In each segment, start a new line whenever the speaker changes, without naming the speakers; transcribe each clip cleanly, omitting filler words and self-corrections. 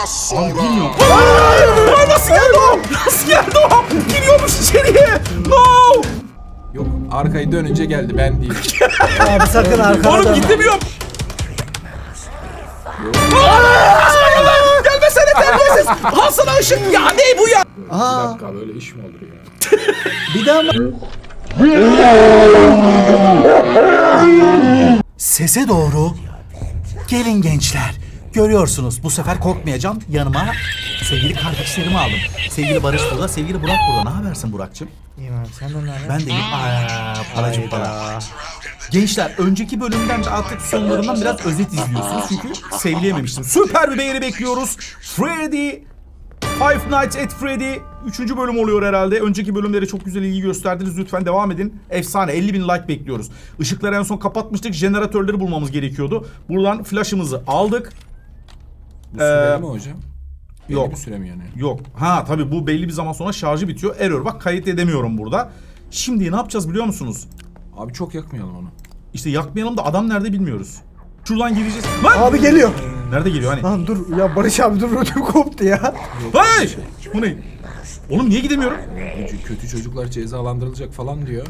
Abi bilmiyorum. Aa, nasıl geldi o? Nasıl geldi o? Giriyormuş içeriye. No.
Yok, arkayı dönünce geldi, ben değil.
Abi sakın arkana
Oğlum
dönme.
gidemiyorum. Gelmesene terbiyesiz. Al sana ışık. Ya ne bu ya?
Bir
Aa,
dakika, böyle iş mi olur ya?
bir daha mı?
Sese doğru. Gelin gençler. Görüyorsunuz bu sefer korkmayacağım. Yanıma sevgili kardeşlerimi aldım. Sevgili Barış burada, sevgili Burak burada. Ne habersin Burak'cığım?
İyiyim abi sen de nerede?
Ben de iyiyim. Paracım para. Gençler önceki bölümden de artık sonlarından biraz özet izliyorsunuz. Çünkü sevleyememiştim. Süper bir beğeni bekliyoruz. Freddy Five Nights at Freddy 3. bölüm oluyor herhalde. Önceki bölümlere çok güzel ilgi gösterdiniz. Lütfen devam edin. Efsane. 50.000 like bekliyoruz. Işıkları en son kapatmıştık. Jeneratörleri bulmamız gerekiyordu. Buradan flash'ımızı aldık.
Bu süreli mi hocam? Belli
yok.
bir süre mi yani?
Yok. Ha tabii bu belli bir zaman sonra şarjı bitiyor. Error. Bak kayıt edemiyorum burada. Şimdi ne yapacağız biliyor musunuz?
Abi çok yakmayalım onu.
İşte yakmayalım da adam nerede bilmiyoruz. Şuradan gireceğiz. Lan!
Abi geliyor.
Nerede geliyor hani?
Lan dur ya Barış abi dur ödüm koptu ya.
Hey! Bu ne? Oğlum niye gidemiyorum?
Kötü çocuklar cezalandırılacak falan diyor.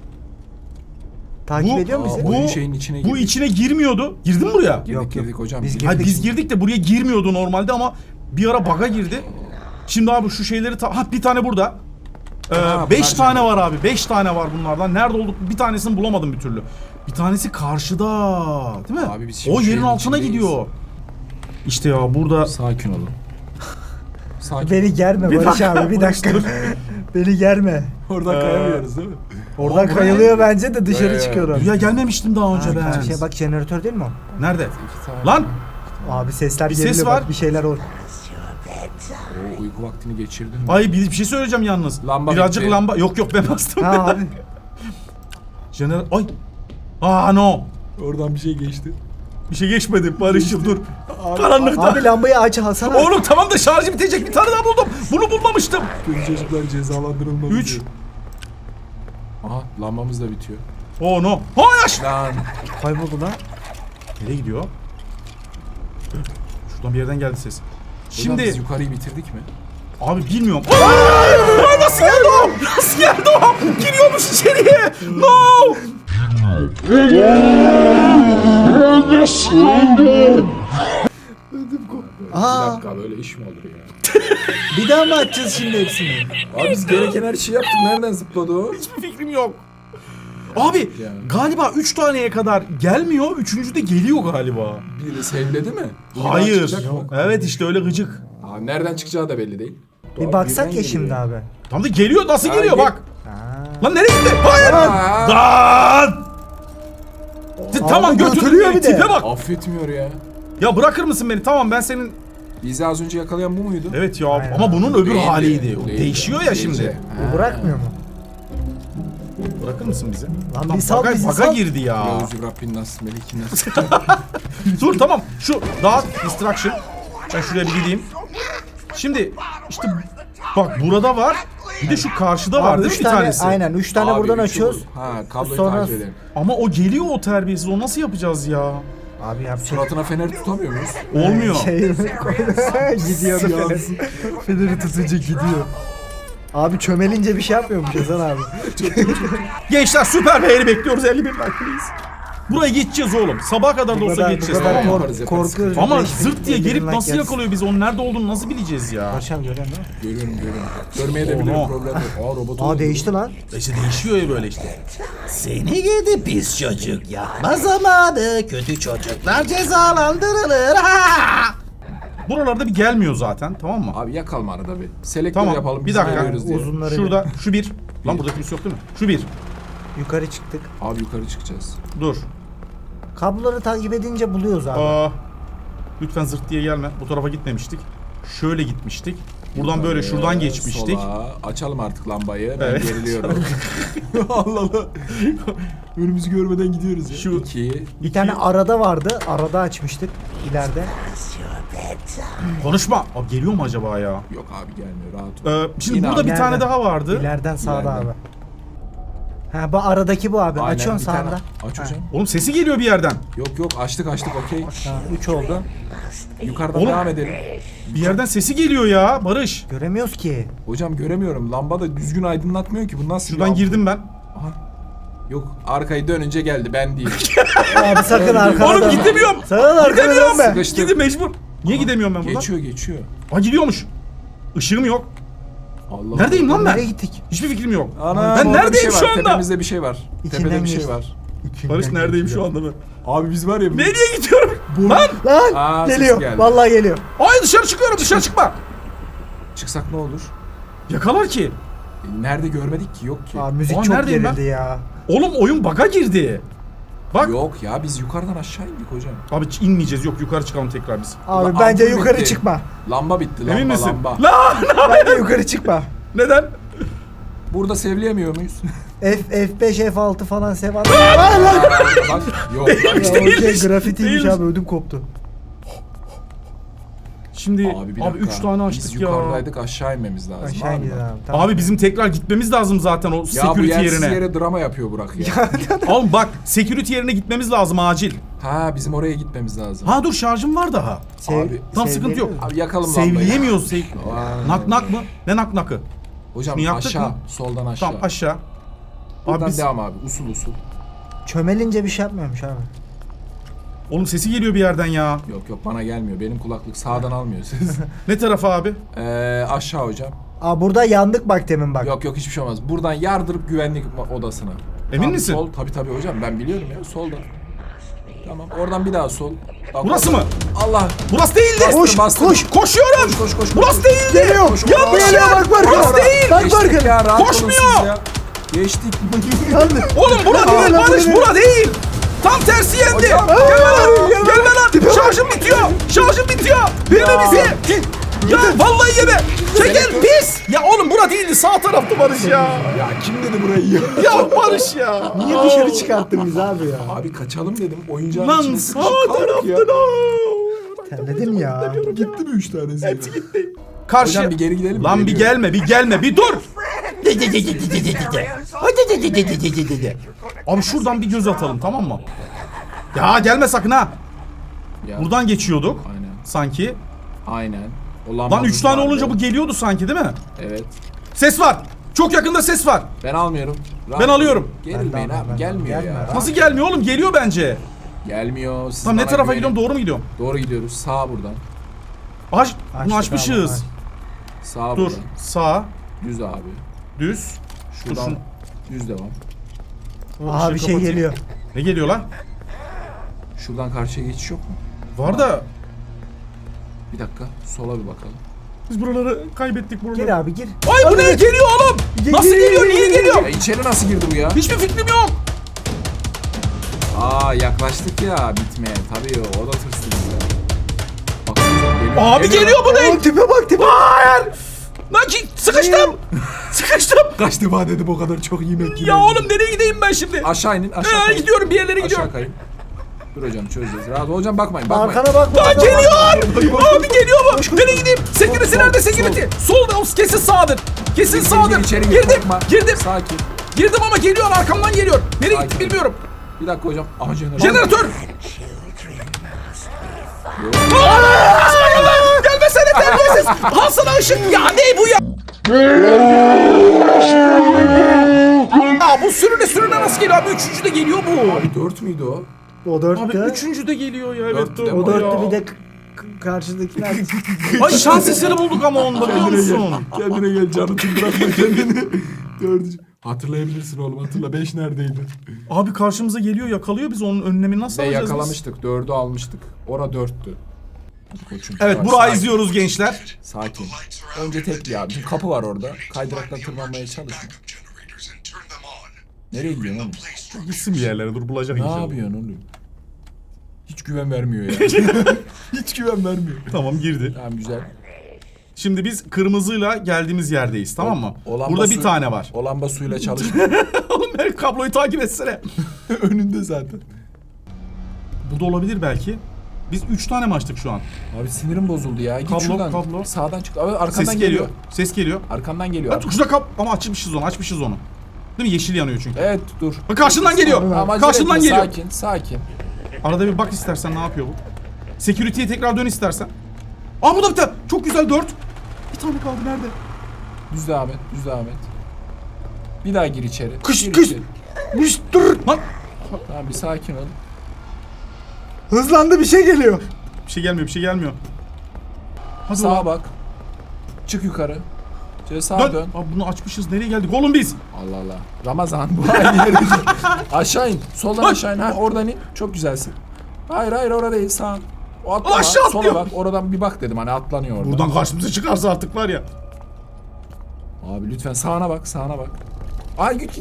Takip
Bu-
ediyor mu bizi?
Oyun
Bu
şeyin içine
Bu
girdik.
içine girmiyordu. Girdin mi buraya?
Girdik hocam.
Biz
girdik.
Hayır biz girdik de buraya girmiyordu normalde ama bir ara bug'a girdi. Şimdi abi şu şeyleri bir tane burada.
Ha,
5
bunlar
tane
canım.
var abi. 5 tane var bunlardan. Nerede olduk? Bir tanesini bulamadım bir türlü. Bir tanesi karşıda. Değil mi?
Abi biz şimdi
O yerin
şeyin
altına
içindeyiz.
gidiyor. İşte ya burada
Sakin olun. Sakin.
Beni germe
Bir
Barış
dakika,
abi bir dakika. Beni germe.
Oradan kayamıyoruz değil mi?
Oradan
Aa,
kayılıyor bence de dışarı
Ya.
çıkıyorum.
buraya gelmemiştim daha önce ben.
Şey bak jeneratör değil mi o?
Nerede?
İki tane.
Lan!
Abi sesler
Bir ses
geliyor
var.
bak bir şeyler oluyor.
O uyku vaktini geçirdin mi?
Ay bir şey söyleyeceğim yalnız.
Lamba
Birazcık
bitti.
lamba. Yok ben bastım.
Ha abi.
Ay. No.
Oradan bir şey geçti.
Bir şey geçmedi Barış'ım dur. Karanlıkta.
Abi lambayı aç Hasan abi.
Oğlum tamam da şarjı bitecek bir tane daha buldum. Bunu bulmamıştım.
Kötü çocuklar cezalandırılmalı.
3.
Aha, lambamız da bitiyor.
Oh no. Hayır.
Lan.
Kayboldu lan.
Nereye gidiyor? Şuradan bir yerden geldi ses.
Şimdi biz
Şimdi
yukarıyı bitirdik mi?
abi bilmiyorum. Aa, nasıl geldi o? Nasıl geldi o? Giriyormuş içeriye. No.
Bir
Aa
dakika, böyle iş mi olur ya?
bir daha mı açacağız şimdi hepsini?
Abi biz gereken her şeyi yaptık. Nereden zıpladı o?
Hiçbir fikrim yok. Abi
Yani.
galiba 3 taneye kadar gelmiyor. 3. de geliyor galiba.
Biri sevledi mi? Biri daha
Hayır.
çıkacak mı?
Evet işte öyle gıcık.
Aa, nereden çıkacağı da belli değil.
Bir baksak ya şimdi abi.
Tam da geliyor. Nasıl
Ha,
geliyor
gel-
bak.
Ha.
Lan nereye gitti? Hayır.
Aa,
Lan. Tamam
götürüyor
götürüyor
bir de.
tipe bak.
affetmiyor ya.
Ya bırakır mısın beni? Tamam ben senin...
Bizi az önce yakalayan bu muydu?
Evet ya
Aynen.
ama bunun öbür
Değildi,
haliydi. O
değildi.
değişiyor ya
Değildi.
şimdi.
Bu bırakmıyor mu?
Bırakır mısın bizi?
Lan bir sal bizi
baga
sal.
girdi ya.
Yavuz Rabbin nas melikin nas.
Dur tamam. Şu daha distraction. Ben şuraya bir gideyim. Şimdi işte bak burada var. Bir de şu karşıda var
Abi
değil mi
3
bir
tane
tanesi?
aynen 3 tane
Abi,
buradan
üçü
açıyoruz.
bu. Ha, kabloyu
Sonra-
takip edelim.
Ama o geliyor o terbiyesiz. O nasıl yapacağız ya?
Abi yapacak.
Suratına fener tutamıyor muyuz?
Olmuyor.
Gidiyor da fener. Feneri tutunca gidiyor. Abi çömelince bir şey yapmıyormuş Hasan abi.
Gençler süper beğeni bekliyoruz. 51 like please. Buraya geçeceğiz oğlum. Sabaha kadar da
Bu
olsa
kadar, bu
geçeceğiz.
kadar
Tamam mı?
yaparız,
korkuyoruz.
Ama
5000
zırt diye gelip
like
nasıl
gelsin.
yakalıyor bizi? Onun nerede olduğunu nasıl bileceğiz ya?
Barış abi görüyorsun değil mi?
Görüyorum. Görmeye de bilirim,
Onu.
problem yok. Aa, robot
Aa
oldu.
değişti lan.
İşte değişiyor ya böyle işte.
Seni gidi pis çocuk yapma zamanı. Kötü çocuklar cezalandırılır. Ha!
Buralarda bir gelmiyor zaten tamam mı?
Abi yakalım arada bir. Selektör
Tamam,
yapalım.
bir
biz
dakika.
görüyoruz diye.
Uzunları
Şurada şu bir. Lan burada kimse yok değil mi? Şu bir.
yukarı çıktık.
Abi yukarı çıkacağız.
Dur.
Kabloları takip edince buluyoruz abi.
Lütfen zırt diye gelme. Bu tarafa gitmemiştik. Şöyle gitmiştik. Buradan böyle şuradan geçmiştik.
Sola. Açalım artık lambayı. Ben
Evet.
geriliyorum. Allah Allah. Önümüzü görmeden gidiyoruz ya.
Şu-
2.
Bir tane arada vardı. Arada açmıştık ileride.
Konuşma. Abi geliyor mu acaba ya?
Yok abi gelmiyor, rahat ol.
Şimdi
Yine
burada
abi.
bir tane
İleriden.
daha vardı.
İleriden sağda
İleriden.
abi. Ha bu aradaki bu abi.
Aynen,
Açıyorsun
bir tane.
sağında.
Aç hocam.
Oğlum sesi geliyor bir yerden.
Yok açtık okey.
Ha 3 oldu.
Yukarıdan
Oğlum.
devam edelim.
Bir yerden sesi geliyor ya Barış.
Göremiyoruz ki.
Hocam göremiyorum. Lamba da düzgün aydınlatmıyor ki. Bu nasıl
Şuradan
lamba?
girdim ben.
Aha. Yok arkayı dönünce geldi ben değil.
Abi sakın arkana
Oğlum
dönme.
gidemiyorum.
Sakın arkana
Gidemiyorum.
dönme.
Sıkıştı.
Gidin mecbur. Niye gidemiyorum ben buradan?
Geçiyor.
Aa gidiyormuş. Işığım yok.
Allah.
Neredeyim lan ben?
Nereye gittik?
Hiçbir fikrim yok.
Ana,
Ben
orada
neredeyim
bir şey
şu
var.
anda?
Tepemizde bir şey var.
İçinden
Tepede bir şey
geçti.
var.
Barış neredeyim şu anda ben?
Abi biz var ya.
Nereye gidiyorum? Lan!
Lan
Aa, ses
geliyor.
geldi.
Vallahi geliyor.
Ay dışarı çıkıyorum, dışarı çıkma.
Çıksak ne olur?
Yakalar ki.
Nerede görmedik ki, yok ki.
Abi müzik
Aa,
çok
neredeyim ben?
gerildi ya.
Oğlum oyun bug'a girdi. Bak.
Yok ya, biz yukarıdan aşağı indik hocam.
Abi inmeyeceğiz. Yok yukarı çıkalım tekrar biz.
Abi
Ulan
bence
ampul
yukarı
bitti.
çıkma.
Lamba bitti, lamba
Emin misin?
lamba.
Lan!
Bence yukarı çıkma.
Neden?
Burada sevleyemiyor muyuz?
F5 F6 falan sev. Lan!
Bak yok.
Ya o şey
Değilmiş,
grafitiymiş
değilmiş.
abi, ödüm koptu.
Şimdi
Abi bir
abi
dakika.
3 tane
Biz
açtık ya.
yukarıdaydık, aşağı inmemiz lazım.
Aşağı gidin abi. Tamam.
Abi bizim tekrar gitmemiz lazım zaten o
Ya bu
security
yersiz
yerine.
yere drama yapıyor Burak ya.
Oğlum bak security yerine gitmemiz lazım acil.
Ha, bizim oraya gitmemiz lazım.
Ha dur şarjım var daha.
Abi,
Tam sıkıntı yok.
Abi yakalım lambayı.
Sevleyemiyoruz.
Vay.
Nak nak mı? Ne nak nakı?
Hocam
Şunu yaptık
aşağı,
mı?
soldan aşağı.
Tamam aşağı.
Buradan
Abi biz...
devam abi, usul usul.
Çömelince bir şey yapmıyormuş abi.
Oğlum sesi geliyor bir yerden ya.
Yok bana gelmiyor, benim kulaklık sağdan almıyor ses.
Ne tarafa abi?
Aşağı hocam.
Aa burada yandık bak demin bak.
Yok hiçbir şey olmaz. Buradan yardırıp güvenlik odasına.
Emin
Tamam,
misin?
Sol, tabii hocam, ben biliyorum ya, solda. Tamam, oradan bir daha sol. Bak,
Burası
oradan-
mı?
Allah.
Burası değildi.
Koş, bastım.
Koş. Koşuyorum.
Koş.
Burası değildi.
Geliyor.
Yanlış
Geliyor,
yer.
bak, bak,
Burası
bak.
değil.
Bak,
Geçtik
bak.
ya, rahat olun
Koşmuyor.
siz ya. Geçtik.
Yandık.
Oğlum bura değil
Aa,
Barış,
lan,
bura değil. Tam tersi yendi.
Hocam.
Gelme lan. Şarjım bitiyor. Şarjım bitiyor. Verme bizi. Ya vallahi yeme. Çekil pis. Ya oğlum bura değildi. Sağ taraftı Barış ya.
Ya kim dedi burayı ya?
Ya Barış ya.
Niye dışarı çıkarttın bizi abi ya?
Abi kaçalım dedim. Oyuncağın
Lan
içine
sağ
sıkışıp kaldık ya.
tarafta.
Terledim ya.
Gitti mi 3 tanesi?
Hepsi gitti. Karşı.
Hocam bir geri gidelim.
Lan bir
Geliyor.
gelme, bir dur. Abi şuradan bir göz atalım, tamam mı? Ya gelme sakın ha.
Ya,
Buradan geçiyorduk
Aynen.
sanki.
Aynen. O
Lan
lambamız
3 tane
vardı.
olunca bu geliyordu sanki değil mi?
Evet.
Ses var. Çok yakında ses var.
Ben almıyorum. Rahat
Ben alıyorum.
Gerilmeyin
Ben de
abi.
almam,
Gelmiyor
gelme.
ya.
Nasıl gelmiyor oğlum? Geliyor bence.
Gelmiyor. Siz
Tamam ne
bana
tarafa
güvenin.
gidiyorum? Doğru mu gidiyorum?
Doğru gidiyoruz. Sağ buradan.
Bunu
Açtık
açmışız.
abi,
Sağ
Dur.
buradan.
Sağ,
Düz abi.
düz.
Şuradan
şunu-
düz devam.
Abi bir şey
kapatayım.
geliyor.
Ne geliyor lan?
Şuradan karşıya geçiş yok mu?
Var da
Bir dakika. Sola bir bakalım.
biz buraları kaybettik buraları.
Gir abi gir.
Ay bu ne? Geliyor oğlum. Nasıl geliyor? Niye geliyor?
Ya içeri nasıl girdi bu ya?
Hiçbir fikrim yok.
Aa, yaklaştık ya bitmeye. Tabii o da tırsın bize. Bak, geliyor.
Abi geliyor bu ne?
Oğlum tipe bak tipe.
Hayır. Lan ki sıkıştım. Sıkıştım.
Kaç defa dedim o kadar çok yemek
Ya oğlum nereye gideyim ben şimdi?
Aşağı inin, aşağı kayın.
Gidiyorum bir yerlere gidiyorum.
Aşağı kayın. Dur hocam, çözeceğiz. Rahat ol hocam, bakmayın.
Arkana bakma.
Lan geliyor. Abi geliyor mu?
Koş.
Nereye gideyim? Security
Sol,
nerede
sol.
security? Solda, o kesin sağdır. Kesin sağdır.
İçeri gir,
Girdim.
korkma.
Girdim.
Sakin.
Girdim ama geliyor, arkamdan geliyor. Nereye gitti
Sakin.
bilmiyorum.
Bir dakika hocam. Aha, jeneratör.
Jeneratör. Aa! Gelmesene terbiyesiz. Al sana ışık. Ya ne bu ya? Aa, bu sürüne nasıl geliyor abi? Üçüncü de geliyor bu.
Abi 4 müydü o?
O
Abi
dörtte.
üçüncü de geliyor ya. Evet
Dörtlü de
doğru
O dörtte
ya.
bir de karşıdakiler.
Ay şans eseri bulduk ama onda biliyor musun?
Kendine gel Canıt'ın, bırakma kendini. 4. Hatırlayabilirsin oğlum, hatırla. 5 neredeydi?
Abi karşımıza geliyor, yakalıyor, biz onun önlemini nasıl
Ve
alacağız biz?
yakalamıştık. 4'ü almıştık. Ora 4'tü. Hadi koçum.
Evet,
Yavaş,
burayı
sakin.
izliyoruz gençler.
Sakin. Önce tekli abi. Şimdi kapı var orada. Kaydırakla tırmanmaya çalışma. Nereye gidiyorsun oğlum?
Gitsin bir yerlere, dur bulacak
Ne
inşallah.
yapıyorsun oğlum? Hiç güven vermiyor ya. Hiç güven vermiyor.
Tamam girdi.
Tamam, güzel.
Şimdi biz kırmızıyla geldiğimiz yerdeyiz, tamam mı?
O lamba
Burada bir
suyu-
tane var.
O lamba suyla çalışmıyor.
Oğlum ben kabloyu takip etsene.
Önünde zaten.
Bu da olabilir belki. Biz 3 tane mi açtık şu an?
Abi sinirim bozuldu ya. Git
Kablo,
şuradan.
kablo.
Sağdan çık. Abi arkandan
Ses geliyor. Ses geliyor.
Arkandan geliyor.
Ha, şurada ama açmışız onu. Değil mi? Yeşil yanıyor çünkü.
Evet, dur.
Bak karşından geliyor.
Tamam, acele
Karşından
etme,
geliyor.
Sakin, sakin.
Arada bir bak istersen ne yapıyor bu. Security'ye tekrar dön istersen. Aa bu da bir tane. Çok güzel 4. Bir tane kaldı nerede?
Düz devam et. Düz devam et. Bir daha gir içeri.
Kış,
Gir
kış.
içeri.
Dur.
Lan
Tamam bir sakin ol.
Hızlandı, bir şey geliyor.
bir şey gelmiyor bir şey gelmiyor. Hadi
Sağa
oğlum.
bak. Çık yukarı. Şöyle sağa
Dön.
dön.
Abi bunu açmışız. Nereye geldik oğlum biz?
Allah Allah. Ramazan bu aynı yere git. Aşağı in. Soldan
Ay.
aşağı in. Ha oradan in. Çok güzelsin. Hayır orada değil sağ. O atlama.
Aşağı
Sola
atlıyor.
bak. Oradan bir bak dedim hani atlanıyor orada.
Buradan karşımıza çıkarsa artık var ya.
Abi lütfen sağına bak sağına bak. Ay git.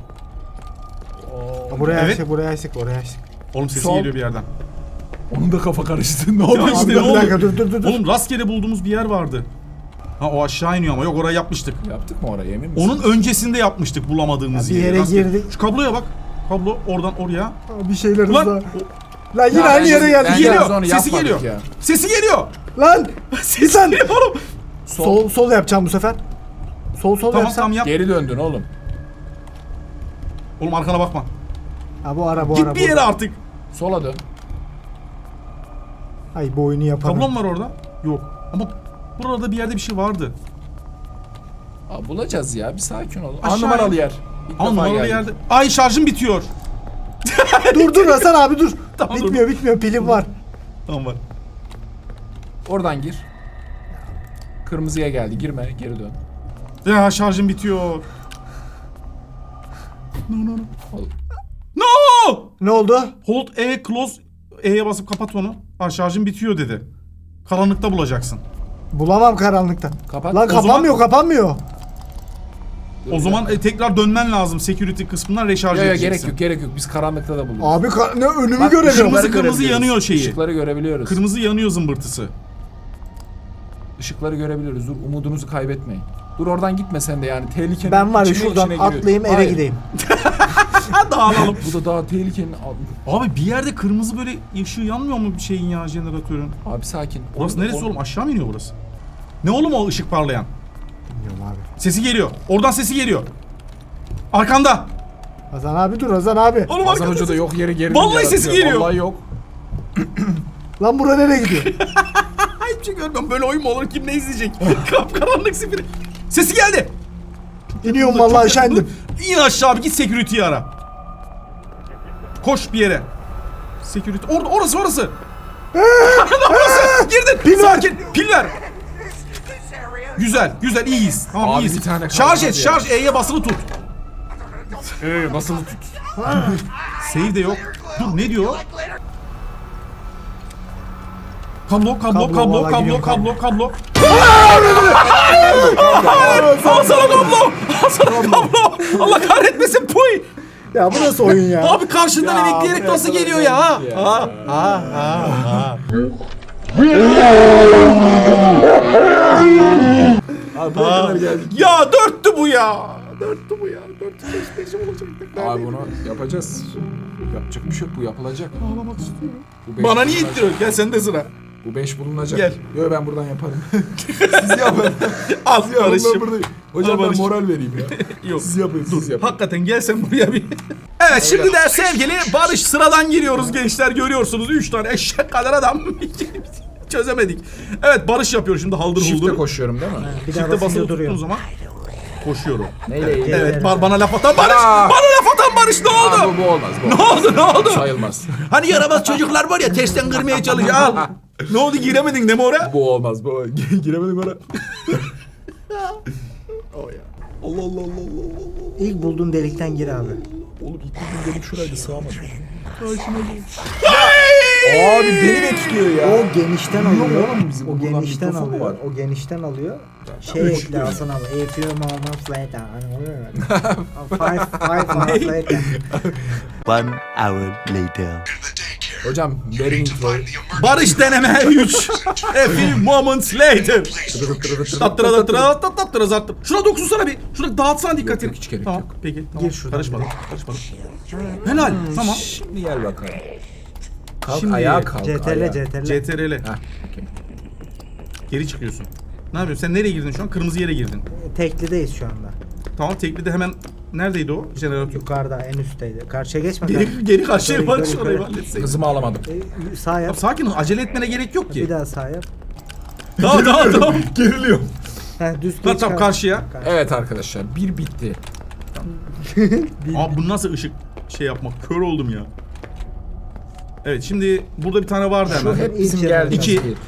Oo.
Buraya
Evet.
açtık, buraya açtık, oraya açtık.
Oğlum sesi
Sol.
geliyor bir yerden.
Onun da kafa karıştı. Ne
Ya
oluyor?
işte
Abi
ne
bir
oldu?
dakika, dur.
Oğlum rastgele bulduğumuz bir yer vardı. Ha o aşağı iniyor ama yok orayı yapmıştık.
Yaptık mı orayı emin misin?
Onun öncesinde yapmıştık bulamadığımız
Ya bir
yeri.
yere
Rastgele.
girdik.
Şu kabloya bak. Kablo oradan oraya.
Aa, bir şeyler
Ulan
hızla. Lan yine
Ya
aynı yere
ben-
geldik
ben-
ya.
geliyor.
onu
Sesi
yapmadık
geliyor.
ya.
Sesi geliyor.
Lan
Sesi geliyor oğlum.
sol yapacağım bu sefer. Sol
Tamam
yapsam.
tamam yap.
Geri döndün oğlum.
Oğlum arkana bakma.
Ha bu ara
Git bir yere artık.
Sola dön.
Ay bu oyunu yapalım.
Kablon var orada. Yok. Ama burada bir yerde bir şey vardı.
Aa, bulacağız ya bir sakin ol.
Aşağı
Numaralı
in.
yer. İlk
Ama
defa
numaralı
geldik.
yerde. Ay şarjım bitiyor.
Dur Hasan abi dur.
Tamam, dur.
bitmiyor pilim var.
Tamam var.
Oradan gir. Kırmızıya geldi. Girme, geri dön.
Ya şarjım bitiyor.
Ol-
No!
Ne oldu?
Hold E close E'ye basıp kapat onu. Ha şarjım bitiyor dedi. Karanlıkta bulacaksın.
Bulamam karanlıkta.
Kapat.
Lan
O zaman-
kapanmıyor.
Dur,
O
bir
zaman
dakika.
tekrar dönmen lazım security kısmından reşarj
Yok
edeceksin.
gerek yok. Biz karanlıkta da buluruz.
Abi ne önümü
Bak,
göremiyorum.
kırmızı
Işıkları görebiliyoruz.
yanıyor şeyi.
Işıkları görebiliyoruz.
Kırmızı yanıyor zımbırtısı.
Işıkları görebiliyoruz. Dur umudunuzu kaybetmeyin. Dur oradan gitme sen de yani. Tehlikenin
Ben var ya
içine
şuradan
giriyor.
atlayayım eve
Hayır,
gideyim.
Ha dağılalım.
Bu da daha tehlikenin...
Abi bir yerde kırmızı böyle ışığı yanmıyor mu bir şeyin ya jeneratörün?
Abi sakin.
Burası
Orada-
neresi oğlum? Aşağı mı iniyor burası? Ne oğlum o ışık parlayan?
Bilmiyorum abi.
Sesi geliyor. Oradan sesi geliyor. Arkanda.
Hasan abi dur Hasan abi.
Oğlum
Hasan
arkanda.
Hoca da yok yere geri
Vallahi
yaratıyor.
sesi geliyor.
Vallahi yok.
Lan bura nereye gidiyor?
Hiçbir şey görmüyorum. Böyle oyun mu olur? Kim ne izleyecek? Kapkaranlık sifiri. Sesi geldi.
İniyorum vallahi aşağı indim.
İn aşağı abi git security'yi ara. Koş bir yere. Security. Orası. Orası. Girdin.
Pil ver.
Sakin. Pil ver. Güzel iyiyiz. Tamam
Abi
iyiyiz.
bir tane kaldı
Şarj et,
hadi ya.
şarj. E'ye basılı tut.
Nasıl tut?
Save de yok. Dur ne diyor? Kablo.
vallahi gidiyorum,
Kablo. Al sana kablo. Allah kahretmesin puy.
Ya bu nasıl oyun ya?
Abi karşından
Ya,
emekleyerek
buraya
nasıl
kadar
geliyor ya?
geldik ya. Abi buraya kadar geldik.
Ya dörttü bu ya. Dörttü bu ya. Dörttü beşim olacaktık.
Abi bunu yapacağız. Yapacak bir şey yok bu yapılacak.
Ağlamak istiyorum.
Bu beş
Bana niye
bulunacak.
ittiriyorsun? Gel sende sıra.
Bu 5 bulunacak.
Gel.
Yok ben buradan yaparım. Siz yapın.
Al
Siz yapın ben
Barış'ım.
buradayım. Hocam
Al
ben
Barış'ım.
moral vereyim ya.
Yok.
Siz yapın siz yapın.
Hakikaten gel sen buraya bir. Evet şimdi de sevgili Barış sıradan giriyoruz gençler görüyorsunuz. 3 tane eşek kadar adam. Çözemedik. Evet Barış yapıyor şimdi haldır
Shift'e
huldur.
koşuyorum değil mi?
Bir daha
Çifte basılı
basınca
tuttuğun
duruyor.
zaman koşuyorum.
Neyle ilgili?
Evet bana laf atan Barış.
Aa!
Bana laf atan Barış ne
Aa,
oldu?
bu olmaz. Bu
Ne oldu ne oldu?
sayılmaz.
Hani yaramaz çocuklar var ya tersten kırmaya çalışıyor. Al. Ne oldu giremedin değil mi oraya?
Bu olmaz. Bu giremedim oraya.
İlk bulduğun delikten gir abi.
Oğlum ilk gün gelip şuraydı sığamadım. Abi beni bekliyor ya.
O genişten alıyor.
oğlum bizim
O
buradan
genişten
mikrofon mu
alıyor.
var?
O genişten alıyor. Şey ekle Hasan abi. A few moments later. Hani oluyor ya. Five moments later.
1 hour later.
Hocam verin introyu.
Barış deneme 3. A few moments later. Tattıra zattır. Şuna dokunsana bir. Şuna dağıtsana dikkatini.
yok, hiç gerek
tamam,
yok.
Peki. Tamam.
Gir şuradan
Karışmadım. Helal. Tamam.
Şimdi gel bakalım. Kalk
Şimdi
ayağa kalk.
CTRL
ayağa.
CTRL.
CTRL.
Heh, okey.
Geri çıkıyorsun. Ne yapıyorsun? Sen nereye girdin şu an? Kırmızı yere girdin.
Teklideyiz şu anda.
Tamam tekli de hemen neredeydi o? Jeneratör.
Yukarıda en üstteydi. Karşıya geçme.
Geri karşıya
Yukarı,
Barış
yukarı,
orayı
yukarı.
halletseydin.
Kızımı alamadım.
Sağ yap.
Sakin ol. Acele etmene gerek yok
Bir
ki.
daha sağ yap.
Tamam.
Geriliyorum.
Heh, düz
Lan
geç
tam
kal.
karşıya.
Evet arkadaşlar bir bitti.
Abi bu nasıl ışık şey yapmak? Kör oldum ya. Evet şimdi burada bir tane vardı
Şu
hemen.
hep bizim
İki.
geldiğimiz
İki.
bir.
İki.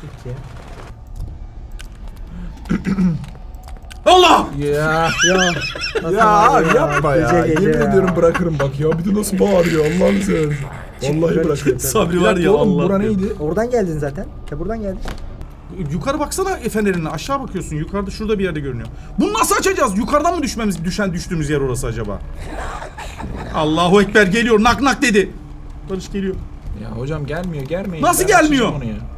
Allah!
Ya.
Ya. nasıl
Ya
bağırıyor
abi yapma ya.
Gece gece
Yemin
ya.
ediyorum bırakırım bak ya. Bir de nasıl bağırıyor Allah'ını seversen. Vallahi bırakırım.
Sabri
Bir
var
dakika
ya
oğlum,
Allah.
bura neydi?
Oradan geldin zaten. Ya buradan geldin.
Yukarı baksana fenerine. Aşağı bakıyorsun. Yukarıda şurada bir yerde görünüyor. Bunu nasıl açacağız? Yukarıdan mı düştüğümüz yer orası acaba? Allahu Ekber geliyor. Nak nak dedi. Barış geliyor.
Ya hocam gelmeyin.
Nasıl
Ben
gelmiyor?
açacağım onu ya.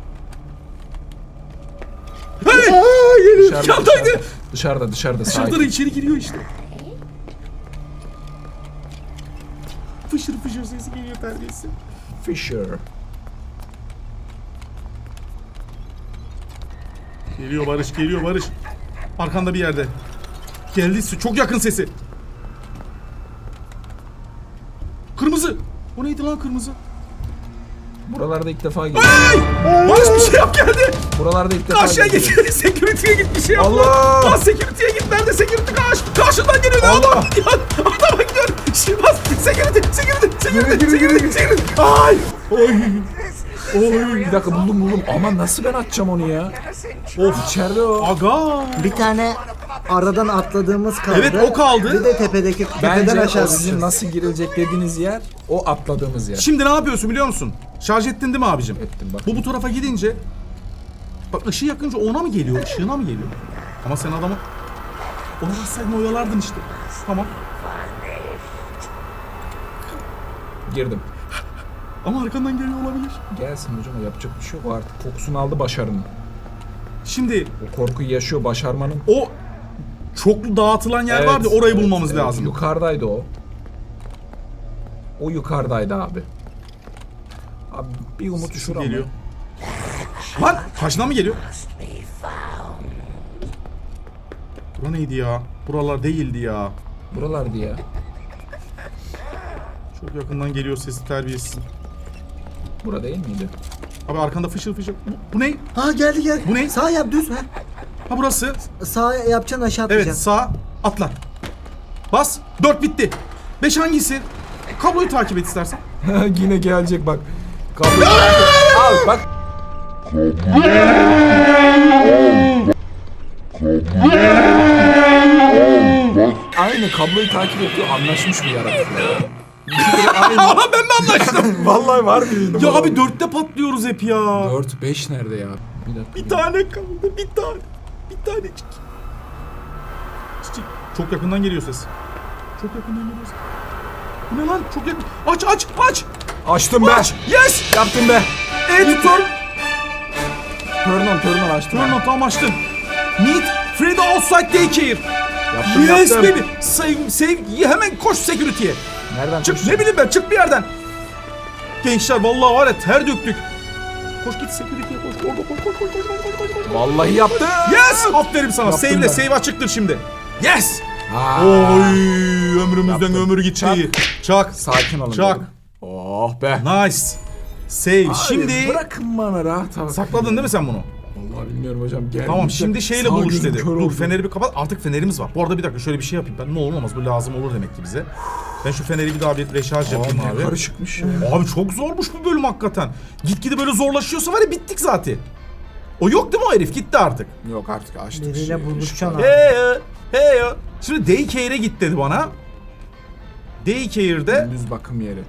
Hey!
Dışarıda,
Yandaydı.
Dışarıda
Dışarıda
sakin.
içeri giriyor işte. Fışır fışır sesi geliyor terbiyesi.
Fisher.
Geliyor Barış. Arkanda bir yerde. Geldi çok yakın sesi. Kırmızı. O neydi lan kırmızı?
Buralarda ilk defa geldim.
Barış bir şey yap geldi.
Buralarda ilk defa
Karşıya
geldim.
git. Security'ye git bir şey yap.
Allah!
Lan security'ye git. Nerede security Karşından geliyor ne
Allah!
adam? Ya adama gidiyor. Şimdi bas. Security. Ay.
Oy, bir dakika buldum. Ama nasıl ben açacağım onu ya? Of içeride o.
Aga.
Bir tane aradan atladığımız kaldı.
Evet, o kaldı.
Bir de tepeden
Bence
aşağı
o sizin
düşeceğiz.
nasıl girilecek dediğiniz yer o atladığımız yer.
Şimdi ne yapıyorsun biliyor musun? Şarj ettin değil mi abicim?
Ettim bak.
Bu tarafa gidince bak ışığı yakınca ona mı geliyor? Işığına mı geliyor? Ama sen adamı ona bassaydın oyalardın işte. Tamam.
Girdim.
Ama arkandan geliyor olabilir.
Gelsin hocam o yapacak bir şey yok. O artık kokusunu aldı başarının.
Şimdi
O korkuyu yaşıyor başarmanın.
o çoklu dağıtılan yer
Evet,
vardı orayı
evet,
bulmamız
evet.
lazım.
Yukarıdaydı o. O yukarıdaydı abi. Abi bir umut şura mı?
Geliyor. Lan karşıdan mı geliyor? Bura neydi ya? Buralar değildi ya.
Buralardı ya.
Çok yakından geliyor sesi terbiyesiz.
Bura değil miydi?
Abi arkanda fışır. Bu ne?
Ha geldi.
Bu ne?
Sağ yap düz. Ha.
Ha burası.
Sağ yapacaksın aşağı
Evet
atlayacaksın.
sağ atla. Bas. 4 bitti. 5 hangisi? Kabloyu takip et istersen.
Yine gelecek bak. Kabloyu al bak. Aynı kabloyu takip ediyor. Anlaşmış bir yaratık.
Aa ben mi anlaştım?
Vallahi var mıydı?
Ya abi 4'te patlıyoruz hep ya.
4-5 nerede ya? Bir dakika.
Bir tane kaldı. Bir tanecik. Çiçek. Çok yakından geliyor ses. Çok yakından geliyor ses. Bu ne lan? Çok yakın. Aç.
Açtım be.
Yes.
Yaptım be.
Editor.
Turn on açtım.
Turn on tam açtım. Meet Freddy outside daycare.
Yaptım,
Yes
yaptım.
baby. Save. Hemen koş security'ye.
Nereden
Çık
koşacağım?
ne bileyim ben çık bir yerden. Gençler vallahi var ya ter döktük. Koş git security'ye koş. Orada koş.
Vallahi yaptım.
Yes! Aferin sana.
Yaptım
Save'le
ben.
save açıktır şimdi. Yes!
Aa,
Oy ömrümüzden
Yaptım.
ömür gitti. Çak.
Sakin olun.
Çak.
dedim. Oh be.
Nice. Save.
Abi,
Şimdi
bırakın bana rahat abi.
sakladın değil mi sen bunu?
Vallahi bilmiyorum hocam. Geldi
Tamam
işte.
şimdi şeyle
Sağ
buluş
gözüm
dedi.
kör
Dur
oldu.
feneri bir kapat. Artık fenerimiz var. Bu arada bir dakika şöyle bir şey yapayım ben. Ne olur olmaz bu lazım olur demek ki bize. Ben şu feneri bir daha bir reşarj yapayım
Abi,
abi.
ne karışıkmış ya.
Abi çok zormuş bu bölüm hakikaten. Gitgide böyle zorlaşıyorsa var ya bittik zaten. O yok değil mi o herif? Gitti artık.
Yok artık açtık.
Biriyle buluşacaksın abi.
Hey ya. Şimdi daycare'e git dedi bana. Daycare'de
Düz bakım yeri.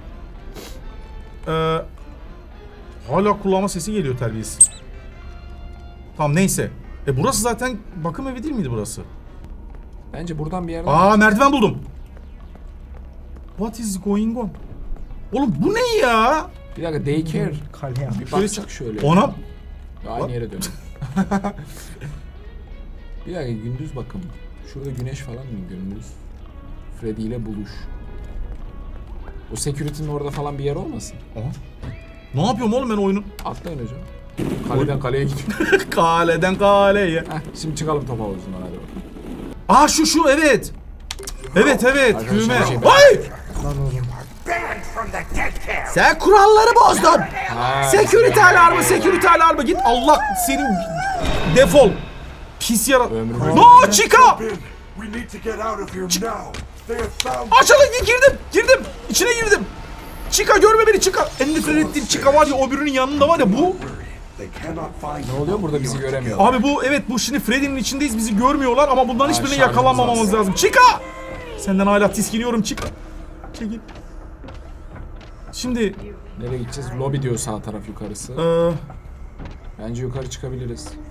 hala kulağıma sesi geliyor terbiyesiz. Tamam neyse. Burası zaten bakım evi değil miydi burası?
Bence buradan bir yerden...
Aa merdiven buldum. What is going on? Oğlum bu ne ya?
Bir dakika daycare.
Kale yap.
Bir bakacak şöyle.
Ona
Aynı yere dönelim. Bir dakika gündüz bakım. Şurada güneş falan mı gündüz? Freddy ile buluş. O security'nin orada falan bir yer olmasın?
Aha. Ne yapıyorum oğlum ben oyunu?
Atlayın hocam. Kaleden kaleye gidiyor.
Kaleden kaleye.
Heh, şimdi çıkalım top havuzundan hadi bakalım.
Aa şu evet. Evet
Arkadaşlar,
düğme.
bir şey-
Ay!
Lan oğlum.
Sen kuralları bozdun. Security alarmı git. Allah senin defol. Pis yara...
Ömrümüz-
No Chica!
We need to get out of here now. They have found
Açılın, girdim. İçine girdim. Chica görme beni Chica. En nefret ettiğim Chica var ya, öbürünün yanında var ya bu.
They cannot find
Ne oluyor burada, bizi göremiyor.
Abi bu evet, bu şimdi Freddy'nin içindeyiz, bizi görmüyorlar ama bundan hiçbirine
şarjımız
yakalanmamamız
az.
lazım. Chica! Senden hala tiskiniyorum Chica. Çekil. Şimdi
Nereye gideceğiz? Lobby diyor sağ taraf yukarısı.
eee
Bence yukarı çıkabiliriz.